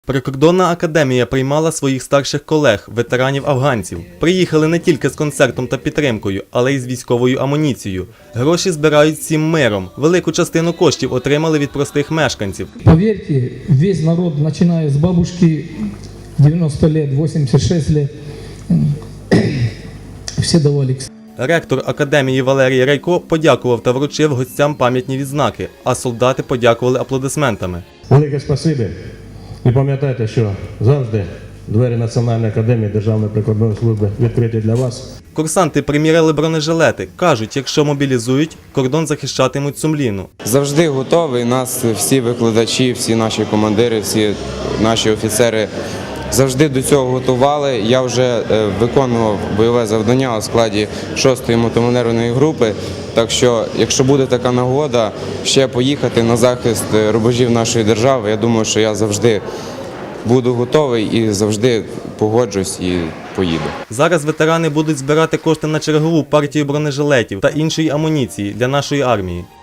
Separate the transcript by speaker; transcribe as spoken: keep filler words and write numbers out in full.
Speaker 1: Прикордонна академія приймала своїх старших колег, ветеранів-афганців. Приїхали не тільки з концертом та підтримкою, але й з військовою амуніцією. Гроші збирають всім миром. Велику частину коштів отримали від простих мешканців.
Speaker 2: Повірте, весь народ, починає з бабушки дев'яносто років, вісімдесят шість років, всі давали.
Speaker 1: Ректор академії Валерій Райко подякував та вручив гостям пам'ятні відзнаки, а солдати подякували аплодисментами.
Speaker 3: Велике спасибі. І пам'ятайте, що завжди двері Національної академії Державної прикордонної служби відкриті для вас.
Speaker 1: Курсанти приміряли бронежилети. Кажуть, якщо мобілізують, кордон захищатимуть сумлінно.
Speaker 4: Завжди готовий. Нас всі викладачі, всі наші командири, всі наші офіцери завжди до цього готували. Я вже виконував бойове завдання у складі шостої мотоманевреної групи. Так що, якщо буде така нагода ще поїхати на захист рубежів нашої держави, я думаю, що я завжди буду готовий і завжди погоджусь і поїду.
Speaker 1: Зараз ветерани будуть збирати кошти на чергову партію бронежилетів та іншої амуніції для нашої армії.